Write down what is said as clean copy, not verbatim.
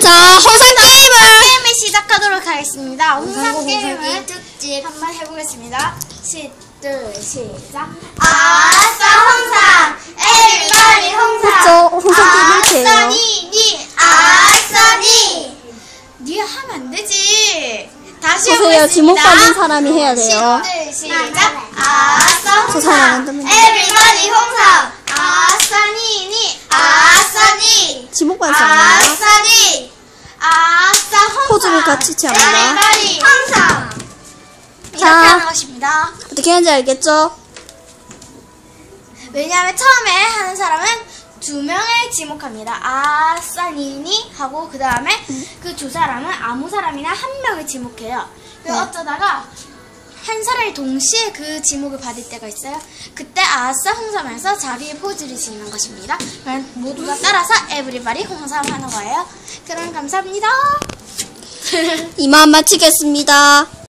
자, 홍삼 게임을 시작하도록 하겠습니다. 홍삼 게임을 특집 한번 해보겠습니다. 둘, 시작. 아싸 홍삼 에브리바디 홍삼 홍삼 게임 이렇게 해요. 니 아싸 니 니 하면 안 되지. 다시 보세요. 해보겠습니다. 지목 받은 사람이 해야 돼요. 둘, 시작. 아싸 저 사람 안 홍삼 됩니다. 에브리바디 홍삼 아싸 니 아싸 니 지목 받은 사람이에요. 아싸 니 아싸 홍삼. 포즈를 같이 취합니다. 에브리바디 홍삼 이렇게 자. 하는 것입니다. 어떻게 하는지 알겠죠? 왜냐하면 처음에 하는 사람은 2명을 지목합니다. 아싸 니니 하고 그 다음에 그 두 사람은 아무 사람이나 1명을 지목해요. 네. 어쩌다가 한 사람이 동시에 그 지목을 받을 때가 있어요. 그때 아싸 홍삼에서 자기의 포즈를 짓는 것입니다. 그럼 모두가 따라서 에브리바디 홍삼 하는 거예요. 그럼 감사합니다. 이만 마치겠습니다.